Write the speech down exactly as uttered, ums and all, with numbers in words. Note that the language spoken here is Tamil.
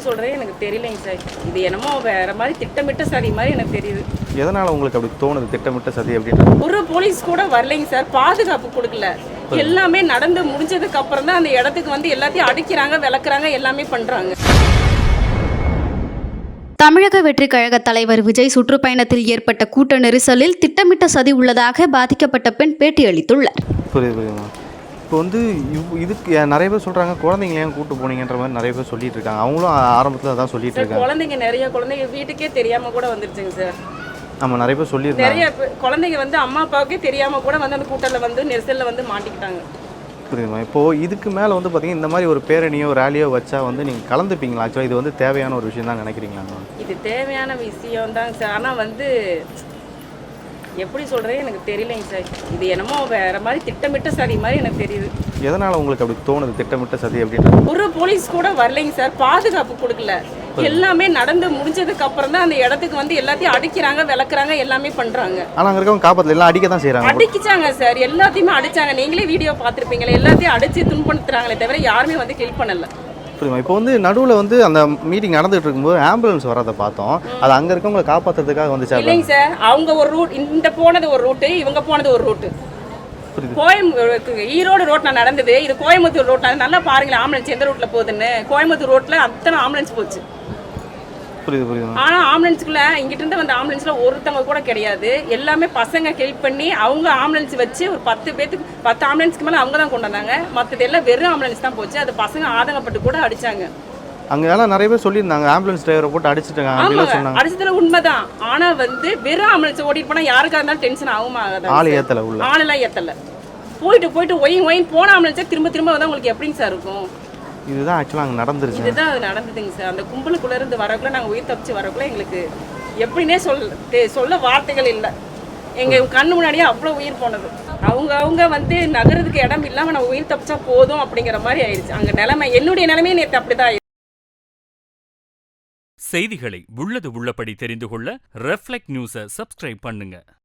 சொல்கிறே எனக்கு தெரியலைங்க சார். இது என்னமோ வேறு மாதிரி திட்டமிட்ட சதி மாதிரி எனக்கு தெரியுது. எதனால் உங்களுக்கு அப்படி தோணுது திட்டமிட்ட சதி அப்படின்றது? ஒரு போலீஸ் கூட வரலைங்க சார், பாதுகாப்பு கொடுக்கல. எல்லாமே நடந்து முடிஞ்சதுக்கு அப்புறம் தான் அந்த இடத்துக்கு வந்து எல்லாத்தையும் அடிக்கிறாங்க, விளக்குறாங்க, எல்லாமே பண்ணுறாங்க. தமிழக வெற்றி கழக தலைவர் விஜய் சுற்றுப்பயணத்தில் ஏற்பட்ட கூட்ட நெரிசலில் திட்டமிட்ட சதி உள்ளதாக பாதிக்கப்பட்ட பெண் பேட்டியளித்துள்ளார். புரியுது புரியுதுமா. இப்போ வந்து இதுக்கு நிறைய பேர் சொல்கிறாங்க குழந்தைங்கள ஏன் கூட்டு போனீங்கன்ற மாதிரி நிறைய பேர் சொல்லிட்டு இருக்காங்க. அவங்களும் ஆரம்பத்தில் அதான் சொல்லிட்டு இருக்காங்க. குழந்தைங்க நிறைய குழந்தைங்க வீட்டுக்கே தெரியாம கூட வந்துருச்சுங்க சார். நம்ம நிறைய பேர் சொல்லியிருக்காங்க. நிறைய குழந்தைங்க வந்து அம்மா அப்பாவுக்கே தெரியாம கூட வந்து அந்த கூட்டத்தில் வந்து நெரிசலில் வந்து மாட்டிக்கிட்டாங்க. புரியுதுமா. இப்போது இதுக்கு மேலே வந்து பார்த்தீங்கன்னா இந்த மாதிரி ஒரு பேரணியோ ரேலியோ வச்சா வந்து நீங்கள் கலந்துப்பீங்களா? ஆக்சுவலாக இது வந்து தேவையான ஒரு விஷயம் தான் நினைக்கிறீங்களா? இது தேவையான விஷயம் தாங்க சார். ஆனால் வந்து எப்படி சொல்கிறே எனக்கு தெரியலைங்க சார். இது என்னமோ வேறு மாதிரி திட்டமிட்ட சதி மாதிரி எனக்கு தெரியுது. எதனால் உங்களுக்கு அப்படி தோணுது திட்டமிட்ட சதி அப்படின்றது? ஒரு போலீஸ் கூட வரலைங்க சார், பாதுகாப்பு கொடுக்கல. எல்லாமே நடந்து முடிஞ்சதுக்கு அப்புறம் தான் அந்த இடத்துக்கு வந்து எல்லாத்தையும் அடிக்கிறாங்க, விளக்குறாங்க, எல்லாமே பண்ணுறாங்க. ஆனால் அங்கே இருக்கவங்க காப்பாற்றல, எல்லாம் அடிக்க தான் செய்கிறாங்க. அடிச்சாங்க சார், எல்லாத்தையுமே அடிச்சாங்க. நீங்களே வீடியோ பார்த்துருப்பீங்களே, எல்லாத்தையும் அடித்து துன்படுத்துறாங்களே தவிர யாருமே வந்து கில் பண்ணலை. புரியுமா. இப்போ வந்து நடுவில் வந்து அந்த மீட்டிங் நடந்துகிட்டு இருக்கும்போது ஆம்புலன்ஸ் வரதை பார்த்தோம். அது அங்கே இருக்கவங்களை காப்பாற்றுறதுக்காக வந்துச்சா? இல்லைங்க சார், அவங்க ஒரு ரூட், இந்த போனது ஒரு ரூட்டு, இவங்க போனது ஒரு ரூட்டு. கோயம்புத்தூர் ஈரோடு ரோட் நான் நடந்தது, இது கோயம்புத்தூர் ரோட். நல்லா பாருங்களேன் ஆம்புலன்ஸ் எந்த ரூட்டில் போகுதுன்னு. கோயம்புத்தூர் ரோட்டில் அத்தனை ஆம்புலன்ஸ் போச்சு. புரியுது புரியுது. ஆனால் ஆம்புலன்ஸுக்குள்ள இங்கிட்ட இருந்து வந்த ஆம்புலன்ஸில் ஒருத்தவங்க கூட கிடையாது. எல்லாமே பசங்க ஹெல்ப் பண்ணி அவங்க ஆம்புலன்ஸ் வச்சு ஒரு பத்து பேத்துக்கு பத்து ஆம்புலன்ஸ்க்கு மேலே அவங்க தான் கொண்டு வந்தாங்க. மற்றது எல்லாம் வெறும் ஆம்புலன்ஸ் தான் போச்சு. அது பசங்க ஆதங்கப்பட்டு கூட அடிச்சாங்க. அங்கே எல்லாம் நிறைய பேர் சொல்லியிருந்தாங்க ஆம்புலன்ஸ் டிரைவரை போட்டு அடிச்சுட்டாங்க. அடிச்சதுல உண்மைதான். ஆனால் வந்து வெறும் ஆம்புலன்ஸ் ஓட்டிட்டு போனால் யாருக்காக இருந்தாலும் டென்ஷன் ஆகும் ஆகாது. ஆள் ஏற்றலை, உள்ள ஆளெல்லாம் ஏற்றலை. போயிட்டு போயிட்டு ஒயின் ஒயின் போன ஆம்புலன்ஸே திரும்ப திரும்ப வந்தால் உங்களுக்கு எப்படிங்க சார் இருக்கும்? இதுதான் ஆக்சுவலாக அங்கே நடந்துருச்சு. இதுதான் அது நடந்ததுங்க சார். அந்த கும்பலுக்குள்ளே இருந்து வரக்குள்ள நாங்கள் உயிர் தப்பிச்சு வரக்குள்ள எங்களுக்கு எப்படின்னே சொல்ல சொல்ல வார்த்தைகள் இல்லை. எங்கள் கண்ணு முன்னாடியே அவ்வளோ உயிர் போனது. அவங்க அவங்க வந்து நகரத்துக்கு இடம் இல்லாமல் நான் உயிர் தப்பிச்சா போதும் அப்படிங்கிற மாதிரி ஆயிடுச்சு அங்கே நிலைமை. என்னுடைய நிலைமையே நேற்று அப்படிதான் ஆயிடுச்சு. செய்திகளை உள்ளது உள்ளபடி தெரிந்து கொள்ள ரெஃப்ளெக்ட் நியூஸை சப்ஸ்கிரைப் பண்ணுங்க.